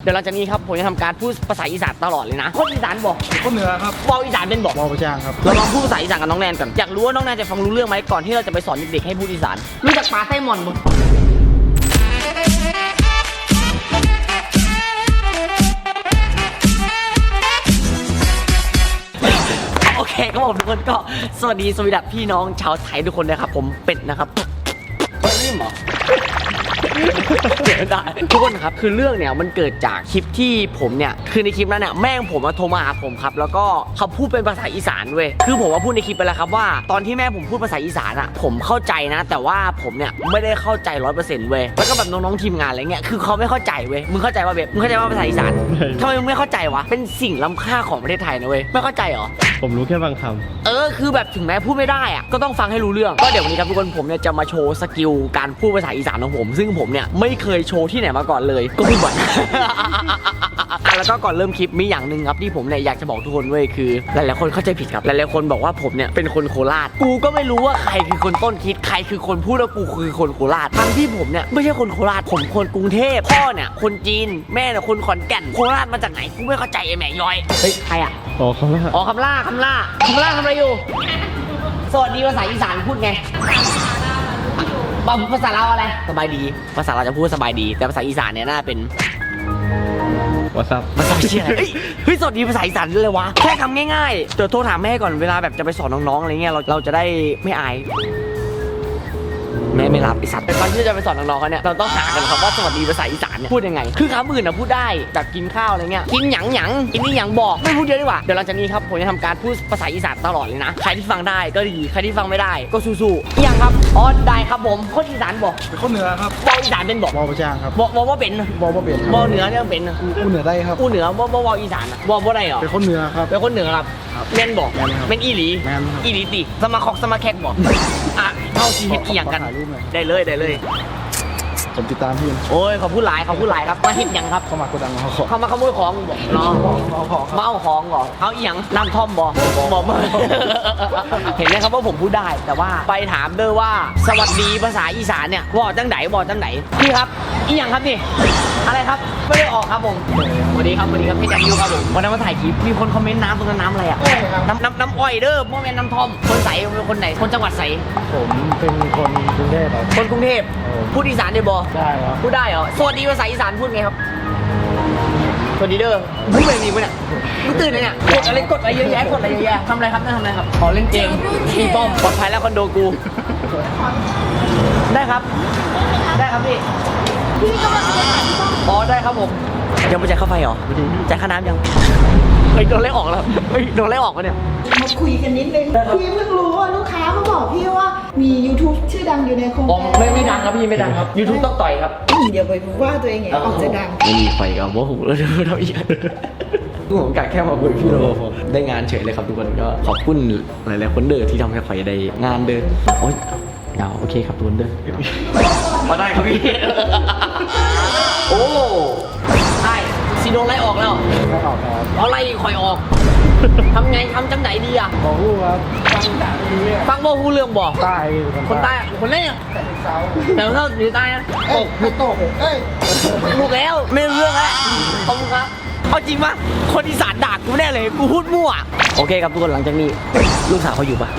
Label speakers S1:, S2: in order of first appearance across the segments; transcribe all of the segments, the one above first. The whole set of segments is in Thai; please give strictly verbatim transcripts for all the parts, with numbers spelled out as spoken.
S1: ดี๋ยวหลังจากนี้ครับผมจะทำการพูดภาษาอีสานตลอดเลยนะคนอีสานบอก
S2: คนเหนือครับ
S1: เว้าอีสานเป็นบอก
S2: เว้าประจ้างครับ
S1: เราลองพูดภาษาอีสานกับน้องแนนก่อนอยากรู้ว่าน้องแนนจะฟังรู้เรื่องไหมก่อนที่เราจะไปสอนเด็กๆให้พูดอีสานรู้จักปลาไส้หม่อนบ่โอเคครับผมทุกคนก็สวัสดีสวัสดีพี่น้องชาวไทยทุกคนนะครับผมเป็ดนะครับเฮ้ยนี่หรอเดี๋ยวได้ทุกคนครับคือเรื่องเนี่ยมันเกิดจากคลิปที่ผมเนี่ยคือในคลิปนั้นเนี่ยแม่งผมมาโทรมาหาผมครับแล้วก็เขาพูดเป็นภาษาอีสานเว้ยคือผมว่าพูดในคลิปไปแล้วครับว่าตอนที่แม่ผมพูดภาษาอีสานอะผมเข้าใจนะแต่ว่าผมเนี่ยไม่ได้เข้าใจร้อยเปอร์เซ็นต์เว้ยแล้วก็แบบน้องๆทีมงานอะไรเงี้ยคือเขาไม่เข้าใจเว้ยมึงเข้าใจว่าเบบมึงเข้าใจว่าภาษาอีสานทำไมมึงไม่เข้าใจวะเป็นสิ่งล้ำค่าของประเทศไทยนะเว้ยไม่เข้าใจเหรอ
S3: ผมรู้แค่บางคำ
S1: เออคือแบบถึงแม้พูดไม่ได้อะก็ต้องฟังให้รู้เรื่องก็เดี๋ยววันนี้ครับทุกคนผมเนี่ยจะมาโชว์สกิลการพูดภาษาอีสานของผมซึ่งผมเนี่ยไม่เคยโชว์ที่ไหนมาก่อนเลยก็พูดบ่อย แล้วก็ก่อนเริ่มคลิปมีอย่างหนึ่งครับที่ผมเนี่ยอยากจะบอกทุกคนเว้ยคือหลายๆคนเข้าใจผิดครับหลายๆคนบอกว่าผมเนี่ยเป็นคนโคราชกูก็ไม่รู้ว่าใครคือคนต้นคิดใครคือคนพูดว่ากูคือคนโคราชทั้งที่ผมเนี่ยไม่ใช่คนโคราชผมคนกรุงเทพพ่อเนี่ยคนจีนแม่เนี่ยคนขอนแก่นโคราชมาจากไหนกูไม่เข้าใจไอ้แม่ย้อยเฮ้ยใครอ่ะ
S3: อ๋อคำล่า
S1: อ๋อคำล่าคำล่าคำล่าทำอะไรอยู่สวัสดีภาษาอีสานพูดไงภาษาเราอะไรสบายดีภาษาเราจะพูดสบายดีแต่ภาษาอีสานเนี่ยน่าเป็น
S3: วอทซับ
S1: ภาษาเชี่ยเฮ้ยเฮ้ยสวัสดีภาษาอีสานเลยวะแค่ทำง่ายๆเดี๋ยวโทรถามแม่ก่อนเวลาแบบจะไปสอนน้องๆอะไรเงี้ยเราเราจะได้ไม่อายแม่ไม่รับไอสัตว์แต่ตอนที่จะไปสอนน้องๆเขาเนี่ยเราต้องหากันครับว่าสวัสดีภาษาอีสานเนี่ยพูดยังไงคือคำอื่นนะพูดได้แบบกินข้าวอะไรเงี้ยกินหยังหยังกินนี่หยังบอกไม่พูดเยอะดีกว่าเดี๋ยวหลังจากนี้ครับผมจะทำการพูดภาษาอีสานตลอดเลยนะใครที่ฟังได้ก็ดีใครที่ฟังไม่ได้ก็สู้ๆยังครับอ๋อได้ครับผมคนอีสานบอก
S2: เป็นคนเหนือครับ
S1: เว้าอีสานเป็นบอก
S2: เว้าประจ้างครับ
S1: บอกบอกว่าเป็น
S2: บอกว่าเป็น
S1: เว้าเหนือเนี่ยเป็น
S2: อู้เหนือได้ครับ
S1: อู้เหนือว่าว่าอีสานอะว่าว่าได้เหรอ
S2: เป็นคนเหนือครับ
S1: เป็นคนเหนือครับแม่นบอกแม่นอีหลีอีหลีติสมาคอกสมาแคกบอกอ่ะเท่าชีเฮ็ดอีหยังกันได้เลยได้เลย
S2: ผมติดตามพี่
S1: โอ้ยเขาพูดหลายเขาพูดหลายครับมาเฮ็ดยังครับ
S2: เข้ามาโกดังเขาขอ
S1: เขามาขโมยของบอกเนาะมาเอาของก่อนเอาอีหยังน้ำท่อมบอกบอกมาเห็นไหมครับว่าผมพูดได้แต่ว่าไปถามเด้อว่าสวัสดีภาษาอีสานเนี่ยบอกจังไหนบอกจังไหนพี่ครับอีหยังครับนี่อะไรครับไม่ได้ออกครับผมสวัสดีครับสวัสดีครับพี่แจ็คยูครับผมวันนั้นมาถ่ายคลิปมีคนคอมเมนต์น้ำตรงนั้นน้ำอะไรอ่ะน้ำน้ำน้ำอ้อยเด้อพ่อแม่น้ำท่อมคนใสเป็นคนไหนคนจังหวัดใส
S2: ผมเป็นคนกรุงเทพครับ
S1: คนกรุงเทพพูดอีสานได้บ่
S2: ได้ครับ
S1: พูดได้เหรอสวัสดีภาษาอีสานพูดไงครับสวัสดีเด้อพูดแบบนี้มั้ยเนี่ยมึงตื่นเลยเนี่ยกดอะไรกดอะไรเยอะแยะกดอะไรเยอะแยะทำอะไรครับนั่นทำอะไรครับขอเล่นเกมมีป้อมปลอดภัยแล้วคอนโดกูได้ครับได้ครับพี่พี่ก็มาอ๋อได้ครับผมยังไม่จ่ายค่าไฟเหรอจ่ายค่าน้ำยังเฮ้ยโดนไล่ออกแล้วเฮ้ยโดนไล่ออกแล้วเนี่ย
S4: มาคุยกันนิดนึงพี่เพิ่งรู้ว่าลูกค้ามาบอกพี่ว่ามี YouTube ชื่อดังอยู่ในโครงการ
S1: ไม่ไม่ดังครับพี่ไม่ดังครับ YouTube ต้องต่อยครับ
S4: เดี๋ยวไปว่าตัวเองไงออกจะดัง
S1: ไม่มีไฟกับว่าหูแล้วเราอีกผมกะแค่มาคุยพี่โรได้งานเฉยเลยครับทุกคนก็ขอบคุณหลายๆคนเด้อที่ทำให้ไฟได้งานเด้อโอ๊ยเดี๋ยวโอเคครับทุกคนเด้อมาได้ครับพี่โอ้ใช่ซีโดนไล่ออกแล้ว
S2: ไม่ออกครับ
S1: เอาไล่คอยออกทำไงทำจังไหนดีอ่ะ
S2: บอกรู้ครับฟังจากนี้
S1: ฟังว่าฮู้เรื่องบอก
S2: ใต้
S1: คนใต้คนไหนอ่ะแต่ถ้าอยู่ใต้นะ
S2: ตกไม่ตกเอ้ย
S1: ถูกแล้วไม่เรื่องแล้วขอบคุณครับเอาจริงปะคนอีสานด่ากูแน่เลยกูพูดมั่วโอเคครับทุกคนหลังจากนี้ลูกสาวเขาอยู่ปะ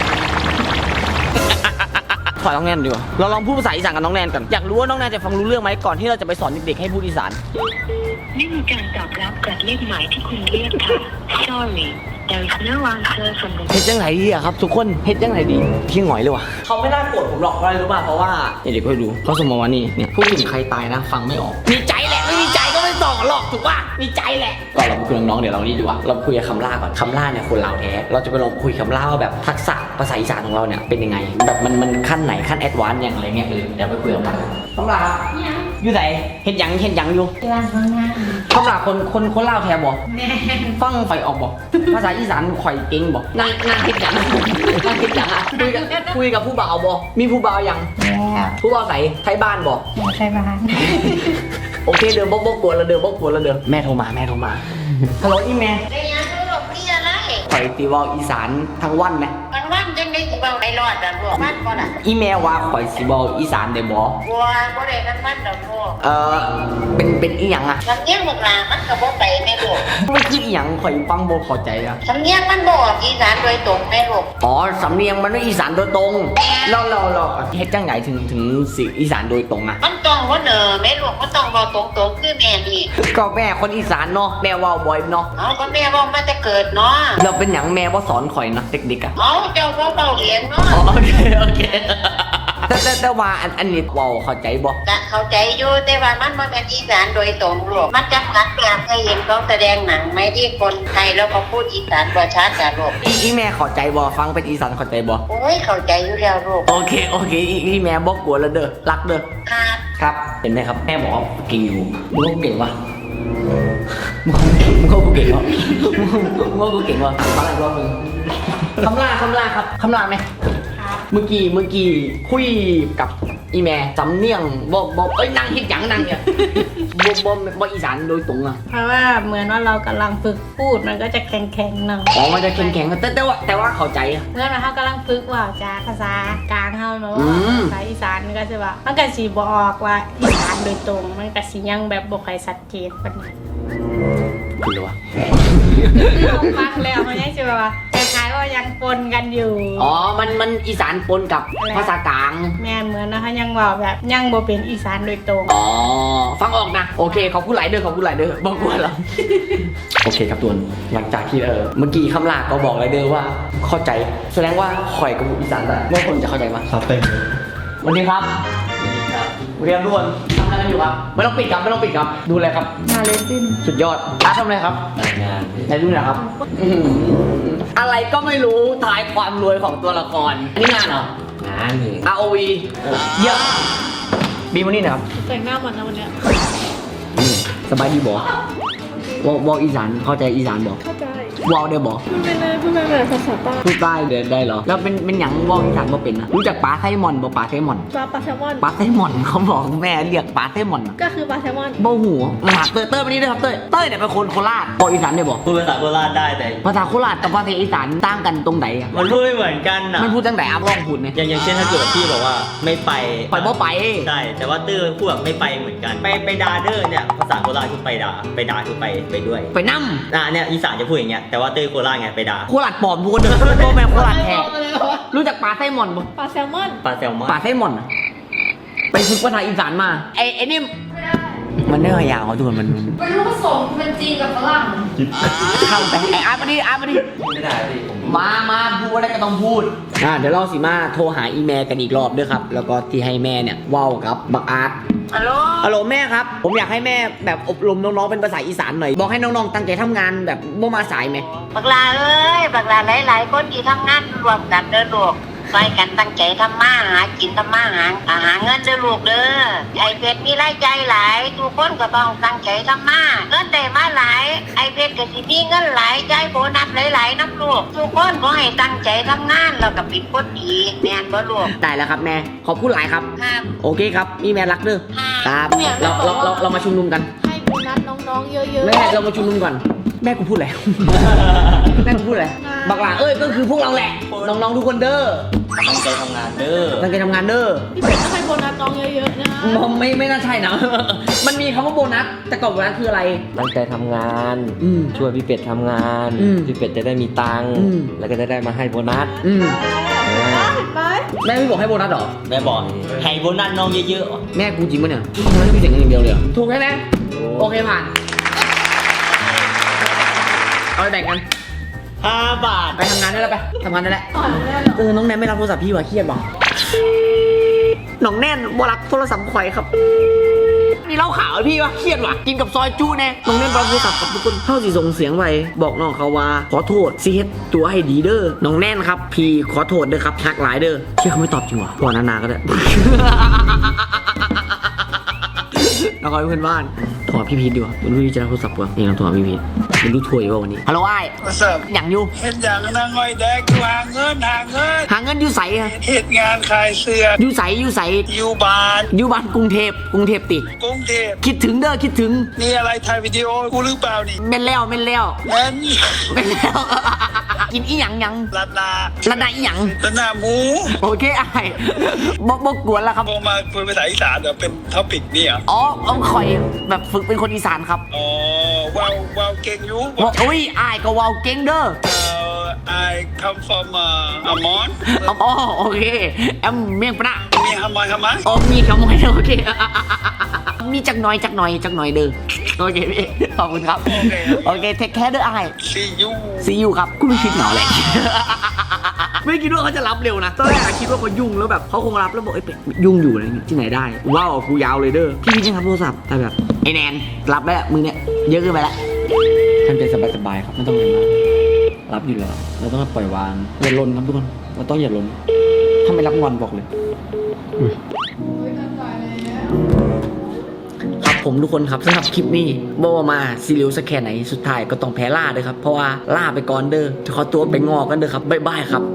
S1: ขอน้องแนนดีกว่าเราลองพูดภาษาอีสานกับน้องแนนก่อนอยากรู้ว่าน้องแนนจะฟังรู้เรื่องไหมก่อนที่เราจะไปสอนเด็กๆให้พูดอีสาน
S5: ไม่มีการตอบรับจากเลขหมายที่คุณเรียกค่ะ sorry there is no answer from the
S1: เฮ็ดจังไหนดีอะครับทุกคนเฮ็ดจังไหนดีพี่หงอยเลยว่ะเขาไม่น่าโกรธผมหรอกเพราะอะไรรู้ป่ะเพราะว่าเด็กๆก็ดูเขาสมมติว่านี่เนี่ยพูดถึงใครตายนะฟังไม่ออกมีใจแหละไม่มีใจก็ไม่สอนหรอกถูกป่ะมีใจแหละก็เราไปคุยกับน้องเดี๋ยวเรานี่ดีกว่าเราคุยกับคำล่าก่อนคำล่าเนี่ยคนลาวแท้เราจะไปลองคุยคำล่าว่าแบบทักษะภาษาอีสานของเราเนี่ยเป็นยังไงแบบมันมันขั้นไหนขั้นแอดวานซ์อย่างไรเงี้ยเออเดี๋ยวไปคุยกับมันต้องลาอยู่ไหนเห็นยังเห็นยังอยู่
S4: ร้านข้างหน้า
S1: คำลาคนคนคนลาวแท้บ่ฟังไฟออกบ่ภาษาอีสานข่อยเก่งบ่นางนางเห็นยังนางเห็นยังอะคุยกับคุยกับผู้บ่าวบ่มีผู้บ่าวยังผู้บ่าวใส่ไทยบ้านบ่
S4: ไทยบ้าน
S1: โอเคเดิมบกบกกวนแล้วเดิมบกกวนแล้วเดิมแม่โทรมาแม่โทรมาฮัลโหลอีแม่
S5: ได้ยังรู้หรอกพี่อะไร
S1: ข่อยตีวอลอีสานทั้งวันไหม
S5: วันวันจังได้
S6: เบาได้รอดจ้ะลูกมันบ่ล่ะ
S1: อีแม่ว่าข่อยสิเว้าอีสานได้บ่
S6: บัวบ่ได้ทั้งมันดอกลูก
S1: เออเป็นเป็นอีหยังอะ
S6: สำเนียงบักลามันก็บ่ไปแม่ลูก
S1: มันคืออีหยังข่อยฟังบ่เข้าใจอะ
S6: สำเนียงมันบ่ออกอีสานโดยตรงแม่ลูก
S1: อ๋อสำเนียงมันไม่อีสานโดยตรงเราเราเราเฮ็ดจังไงถึงถึงสิอีสานโดยตรงอะ
S6: มันต้องบ่เนอแม่ลูกมันต้องบ่ตรงๆคือแม่นี่
S1: ก็แม่คนอีสานเนาะแม่เว้าบ่อยเนาะ
S6: เอาก็แม่เว้ามาแต่เกิดเนาะ
S1: เราเป็นหยังแม่บ่สอนข่อยนะเด็กๆอะ
S6: เอาเจ้าบ่เบาเรียนเนาะ
S1: อ๋อโอเคโอเคแต่แต่แต่ว่าอันอันนี้เว้าเข้าใจบ่
S6: จะเข้าใจอยู่แต่ว่ามันบ่แม่นอีสานโดยตรงลูกมันจำกัดแบบเคยเห็นเขาแสดงหนังไหมที่คนไทยแล้วก็พูดอีสานบ่ชัดจ้ะลูก
S1: อีอีแม่เข้าใจบ่ฟังเป็นอีสานเข้าใจบ่
S6: โอ้ยเข้าใจอยู่แล้วลูก
S1: โอเคโอเคอีอีแม่บ่กลัวแล้วเด้อรักเด้อ
S6: ครับ
S1: ครับเห็นไหมครับแม่บอกว่าเก่งอยู่มึงก็เก่งวะมึงก็เก่งวะมึงก็เก่งวะขออะไรรอบนึงคำลาคำลาครับคำลาไหมเมื่อกี้เมื่อกี้คุยกับอีแม่สำเนียงบ่บ่เอ้ยนั่งเฮ็ดหยังนั่งเนี่ยบ่บ่บ่อีสานโดยตรงอะ
S7: เพราะว่าเหมือนว่าเรากำลังฝึกพูดมันก็จะแข็งๆหน่อย
S1: อ๋อมันจะแข็งๆแต่แต่ว่าแต่ว่าเข้าใจอะ
S7: เมื่อเรากำลังฝึกว่าจาภาษากลางเฮาเนาะ
S1: อืม
S7: ภาษาอีสานมันก็จะว่ามันก็สิบ่ออกว่าอีสานโดยตรง มันก็สิยังแบบบ่ค่อยชัดเจนปานนี้
S1: คืออะไรวะ
S7: คือลงพักแล้วมันยังสิแบบว่าคล้ายๆว่ายังปนกันอยู่
S1: อ๋อมันมันอีสานปนกับภาษากลาง
S7: แม่เหมือนนะคะยังว่าแบบยังบ่เป็นอีสานโดยตรง
S1: อ๋อ ฟังออกนะ โอเคขอบคุณหลายเด้อขอบคุณหลายเด้อบอกกวนเรา โอเคครับตัวนหลังจากที่เออเมื่อกี้คำลาก็บอกเลยเด้อว่าเข้าใจ แสดงว่าข่อยกับอีสานได้ว่าคนจะเข้าใจมั้ย
S3: ซับเต็มเลย
S1: วันนี้ครับเรียนทุกคนทำอะไรกันอยู่ครับไม่ต้องปิดครับไม่ต้องปิดครับดูอะไรครับ
S7: มาเลยสิ้น
S1: สุดยอดอาร์ตทำอะไรครับงานในรุ่นนะครับอื้อหืออะไรก็ไม่รู้ทายความรวยของตัวละครอันนี้งานเหรองานนี่ อาร์ โอ วี เยี่ยมบีมวันนี้นะครับ
S7: แต่งหน้าเหมือนนะวันเนี้ย
S1: อืมสบายดีบอกวอวออีสานเข้าใจอีสานบอก
S7: เข้าใจ
S1: วอได้บอก
S7: พูดไม่ได้พูดไม่ได้ภาษาใต้
S1: พูดใต้เดินได้เหรอแล้วเป็นเป็นหยังวออีสานบ่เป็นนะรู้จักปลาไซมอนบ่ปลาไซมอน
S7: ปลาปลาแซลมอน
S1: ปลาไซมอนเขาบอกแม่เรียกปลาไซมอนอะ
S7: ก็คือปลาแซลมอน
S1: บ่หูมาหาเต้ยเต้ยวันนี้ด้วยครับเต้ยเต้ยเนี่ยเป็นคนโคราชบอกอีสานได้บอก
S8: พูดภาษาโคราชได้แต่
S1: ภาษาโคราชกับภาษาอีสานต่างกันตรงไหนอะ
S8: มันพูดไม่เหมือนกันนะ
S1: มันพูดตั้งแต่อัพลองพูดไหม
S8: อย่างอย่างเช่นถ้าเกิดพี่บอกว่าไม่ไป
S1: ไปบ่ไป
S8: ใช่แต่ว่าตื้อพูดแบบไม่ไปเหมือนกัน ไปไปดาเดอร์เนี่ยภาษาโคราชคือไปดาไปดาคือไปไปด้วย
S1: ไปนั่ม
S8: อ่าเนี่ยอีสานจะพูดอย่างเงี้ยแต่ว่าตื้อโคราชไงไปดา
S1: โคราชปลอมทุกคนเดินโตแม่โคราชแท้รู้จักปลาไซมอนบ่
S7: ปลาแซลมอน
S8: ปลาแซลมอน
S1: ปลาไซมอนอะไปฝึกภาษาอีสานมาไอ้ไอ้นี่มันไม่ค่อยยาวทุกคนมัน
S7: เป็นลูกผสมเป็นจีนกับฝรั่ง
S1: เข้าไปไอ้อาร์ตมาดิอาร์ตมาดิ
S8: ไม่ได้พี่ผม
S1: มามาพูดอะไรก็ต้องพูดอ่าเดี๋ยวเราสิมาโทรหาอีเมลกันอีกรอบด้วยครับแล้วก็ที่ให้แม่เนี่ยเว้ากับบักอาร์ต
S6: ฮัลโหล
S1: ฮัลโหลแม่ครับผมอยากให้แม่แบบอบรมน้องๆเป็นภาษาอีสานหน่อยบอกให้น้องๆตั้งใจทำงานแบบบ่มาสายไหม
S6: บักลาเอ้ยบักลาหลายๆคนที่ทำงานรวมกันเด้อลูกช่วยกันตั้งใจทำมาหากินทำมาหาหาเงินเด้อลูกเด้อไอเพชรมีรายจ่ายหลายทุกคนก็ต้องตั้งใจทำมาเงินได้มาหลายไอเพชรก็สิมีเงินหลายจ่ายโบนัสหลายๆน้ำลูกทุกคนขอให้ตั้งใจทำงานแล้วก็เป็นคนดีแม่นบ่ลูก
S1: ได้แล้วครับแม่ขอบคุณหลายครับ
S6: ครับ
S1: โอเคครับมีแม่รักเด้อครับ
S7: เนี่ย
S1: เรา
S7: แม่บ
S1: เรา
S7: อกว่า
S1: เราเรามาชุมนุมกัน
S7: ให้โบนัสน้องๆเยอะๆ
S1: แม่เรามาชุมนุมก่อนแม่กูพูดอะไร แม่กูพูดอะไรบักหลาเอ้ยก็คือพวกเราแหละน้องๆทุกคนเด้อ
S8: ตั้งใจทำงานเด้อ
S1: ตั้งใจทำงานเด้อ
S7: พี่เป็ดต้องให้โบนัสน้องเยอะๆนะ
S1: มไม่ไม่น่าใช่นะ มันมีคำว่าโบนัสแต่ก่อนโบนัสคืออะไร
S9: ตั้งใจทำงาน
S1: อืม
S9: ช่วยพี่เป็ดทำงาน
S1: อืม
S9: พี่เป็ดจะได้มีตังค์
S1: อืม
S9: แล้วก็จะได้มาให้โบนัส
S1: อืม
S7: เห็นไหม
S1: แม่ไม่บอกให้โบนัสเหรอ
S8: แม่บอกให้โบนัสน้องเยอะๆ
S1: แม่กูจริงปะเนี่ยทำไมไม่มีเสียงอย่างเดียวเลยเหรอถูกใช่ไหมโอเคผ่าน เอาไปแบ่งกัน
S8: ห้าบาท
S1: ไปทำงานได้แล้วไปทำงานได้แล้ว
S7: อ่อนแน่หรอ
S1: เออน้องแนนไม่รับโทรศัพท์พี่ว่ะเครียดว่ะน้องแนนบ่รับโทรศัพท์ข่อยครับนี่เล่าข่าวให้พี่วะเครียดว่ะกินกับซอยจู้แน่น้องแนนบ่รับโทรศัพท์ครับทุกคนเข้าสิส่งเสียงไปบอกน้องเขาว่าขอโทษซีเฮ็ดตัวให้ดีเด้อน้องแนนครับพี่ขอโทษเด้อครับทักหลายเด้อเชื่อเขาไม่ตอบจริงว่ะพอนานาก็ได้ น้องคอยเพื่อนบ้านตรหาพี่พีทดีกว่าไม่รู้จะรับโทรศัพท์ป่ะนี่เราโทรหาพี่พีทไม่รู้ถวยว่าวันนี้ฮัลโหลไอ้อย่างอยู่
S2: เห็นอย่างนั่งง่อยแดกอยู่หาเงินหาเงิน
S1: หาเงินอยู่ใสอะ
S2: เหตุงานขายเสื้อ
S1: อยู่ใสอยู่ใส
S2: อยู่บ้าน
S1: อยู่บ้านกรุงเทพกรุงเทพติ
S2: กรุงเทพ
S1: คิดถึงเด้อคิดถึง
S2: นี่อะไรถ่ายวิดีโอกูหรือเปล่านี่
S1: เม่นแล้วเม่นแล้ว
S2: แม่น
S1: เม่นแล้ว กินอีหยังหยัง
S2: รัดนา
S1: ระดาอีหยัง
S2: รัดนาหมู
S1: โอเคไอ้บอกบอกกวนแล้วครับ
S2: พอมาคุยภาษาอีสานเดี๋ยวเป็นท็อปิกนี่เหรอ
S1: อ๋อเอาข่อยแบบฝึกเป็นคนอีสานครับ
S2: อ๋อว้าวว้าวเก่งอยู่
S1: บอกอุ้ยไอ้ายก็เว้าเก่งเด้อ
S2: เอ่อ I come from uh, Amon
S1: อ๋อโอเคแอมเมียงปะนะ
S2: มีฮามอยฮามะ
S1: อ๋อมีขโมยโอเคมีจักหน่อยจักหน่อยจักหน่อยเด้อโอเคพี่ขอบคุณครับโอเคเทคแคร์เด้อไอ้
S2: See you
S1: ซียูครับกูไม่คิดเหงาเลย ไม่คิดว่าเขาจะรับเร็วนะตอนแรกอะคิดว่าเขายุ่งแล้วแบบเขาคงรับแล้วบอกไอ้ยเป็ดยุ่งอยู่อะไรเงี้ยที่ไหนได้ว้าวกูยาวเลยเด้อพี่ยังรับโทรศัพท์แต่แบบไอ้แนนรับแล้วมึงเนี่ยเยอะเกินไปละทำใจสบายๆครับไม่ต้องเลยมากรับอยู่แล้วเราต้องปล่อยวางอย่าลนครับทุกคนเราต้องอย่าลนถ้าไม่รับงอนบอกเลยครับผมทุกคนครับสำหรับคลิปนี้บอกว่ามาซีเรียลสักแค่ไหนสุดท้ายก็ต้องแพ้ล่าเลยครับเพราะว่าล่าไปก่อนเด้อขอตัวไปงอกันเด้อครับบ๊ายบายครับ